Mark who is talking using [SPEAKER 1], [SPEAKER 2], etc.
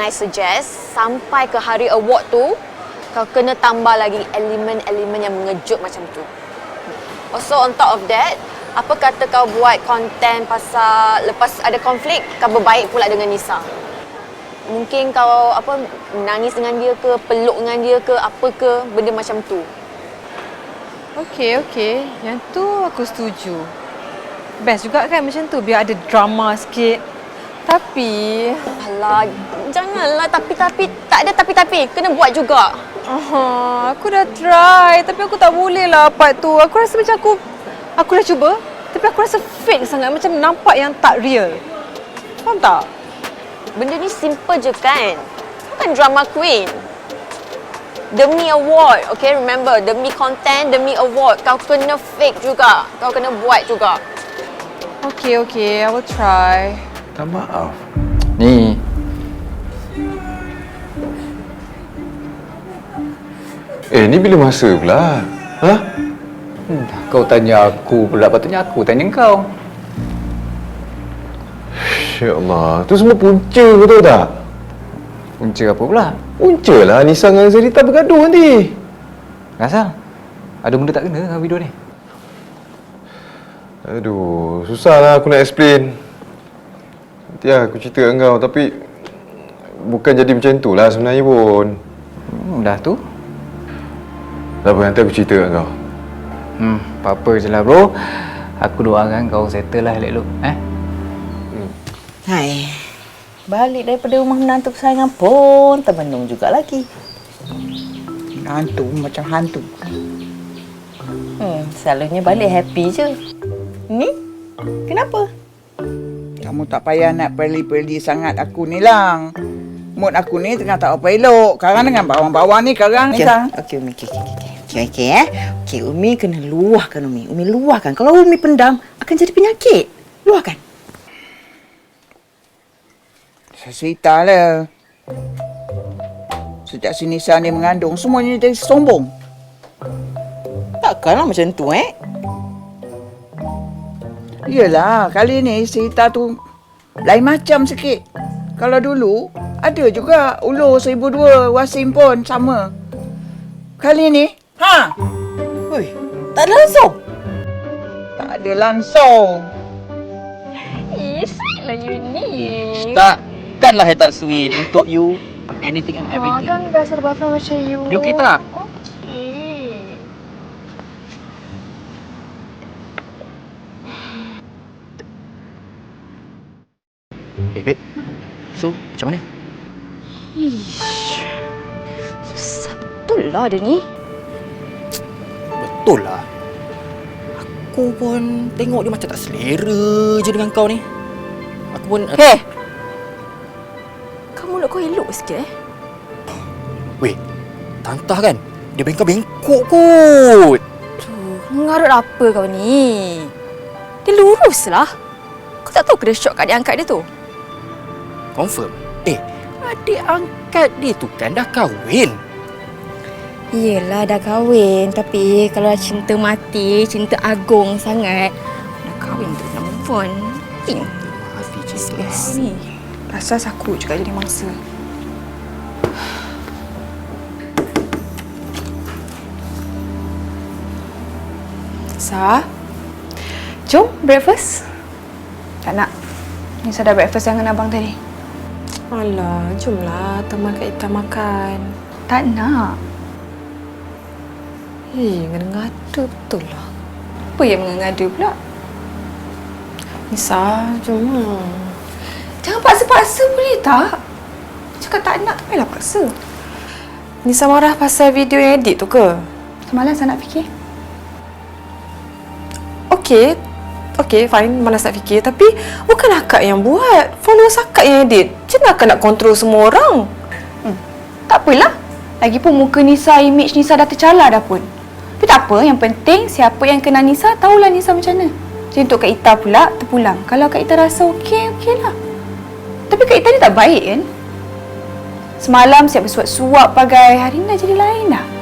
[SPEAKER 1] I suggest sampai ke hari award tu, kau kena tambah lagi elemen-elemen yang mengejut macam tu. Also on top of that, apa kata kau buat konten pasal lepas ada konflik, kau berbaik pula dengan Nisa. Mungkin kau menangis dengan dia ke, peluk dengan dia ke, apa ke, benda macam tu.
[SPEAKER 2] Okey. Yang tu aku setuju. Best juga kan macam tu, biar ada drama sikit. Tapi...
[SPEAKER 1] Alah, janganlah tapi-tapi. Tak ada tapi-tapi, kena buat juga.
[SPEAKER 2] Aku dah try, tapi aku tak boleh lah part tu. Aku rasa macam aku dah cuba, tapi aku rasa fake sangat, macam nampak yang tak real. Faham tak?
[SPEAKER 1] Benda ni simple je kan? Kau kan drama queen. Demi award, okay? Remember, demi content, demi award. Kau kena fake juga. Kau kena buat juga.
[SPEAKER 2] Okay, I will try.
[SPEAKER 3] Tak maaf.
[SPEAKER 4] Ni.
[SPEAKER 3] Ni bila masa pula? Ha?
[SPEAKER 4] Kau tanya aku pula, patutnya aku tanya kau.
[SPEAKER 3] Ya Allah, tu semua punca, kau tahu tak?
[SPEAKER 4] Punca apa pula?
[SPEAKER 3] Punca lah Nisa dengan Zarita bergaduh nanti.
[SPEAKER 4] Asal? Ada benda tak kena dengan video ni?
[SPEAKER 3] Aduh, susahlah aku nak explain. Nanti aku cerita dengan kau, tapi bukan jadi macam tu lah sebenarnya pun.
[SPEAKER 4] Dah tu?
[SPEAKER 3] Tak apa, nanti aku cerita dengan kau.
[SPEAKER 4] Apa-apa je lah bro. Aku doakan kau settle lah elok-elok.
[SPEAKER 5] Hai. Balik daripada rumah menantu kesayangan pun termenung juga lagi. Menantu macam hantu. Selalunya balik happy je. Ni? Kenapa? Kamu tak payah nak perli-perli sangat aku ni lang. Mood aku ni tengah tak apa elok. Karang dengan bawang-bawang ni karang ni sang. Okey, Umi kena luahkan Umi. Umi luahkan. Kalau Umi pendam akan jadi penyakit. Luahkan. Saya cerita lah. Sejak si Nisa ni mengandung, semuanya jadi sombong. Takkanlah macam tu, Yelah, kali ni cerita tu lain macam sikit. Kalau dulu, ada juga ulur 1002, Wasim pun sama. Kali ni, Ui, tak ada langsung. Tak ada langsung.
[SPEAKER 1] Lah you ni.
[SPEAKER 6] Takkanlah I tak sweet untuk you. Anything and everything.
[SPEAKER 1] Kan biasa bapa macam you.
[SPEAKER 6] You kita. Babe. So, macam mana?
[SPEAKER 1] Susah betul lah dia ni.
[SPEAKER 6] Betul lah. Aku pun tengok dia macam tak selera je dengan kau ni. Aku pun...
[SPEAKER 1] Hei! Kamu mulut kau elok sikit
[SPEAKER 6] Weh, tantah kan? Dia bengkok-bengkok kot.
[SPEAKER 1] Tuh, mengarut apa kau ni? Dia lurus lah. Kau tak tahu ke dia syok kat dia angkat dia tu?
[SPEAKER 6] Confirm? Adik angkat dia tu kan dah kahwin.
[SPEAKER 1] Yelah dah kahwin, tapi kalau dah cinta mati, cinta agung sangat, dah kahwin tu nak move on.
[SPEAKER 6] Hati cinta.
[SPEAKER 1] Ni. Rasa aku juga jadi mangsa. Sa, jom breakfast. Tak nak. Nisa dah breakfast dengan abang tadi.
[SPEAKER 2] Alah, jomlah teman Kak Ita makan.
[SPEAKER 1] Tak nak.
[SPEAKER 2] Ngada-ngada betul lah. Apa yang mengada pula? Nisa, jom lah.
[SPEAKER 1] Jangan paksa-paksa boleh tak? Cakap tak nak, tak payahlah paksa.
[SPEAKER 2] Nisa marah pasal video yang edit tu ke?
[SPEAKER 1] Semalam saya nak fikir.
[SPEAKER 2] Okey, fine, malas nak fikir. Tapi bukan akak yang buat. Followers akak yang edit. Macam mana akak nak kontrol semua orang?
[SPEAKER 1] Tak apalah. Lagipun muka Nisa, image Nisa dah tercalar dah pun. Tapi tak apa, yang penting siapa yang kenal Nisa, tahulah Nisa macam mana. Jadi untuk Kak Ita pula, terpulang. Kalau Kak Ita rasa okeylah. Tapi Kak Ita ni tak baik kan? Semalam siap bersuap-suap pagai, hari ni dah jadi lain dah.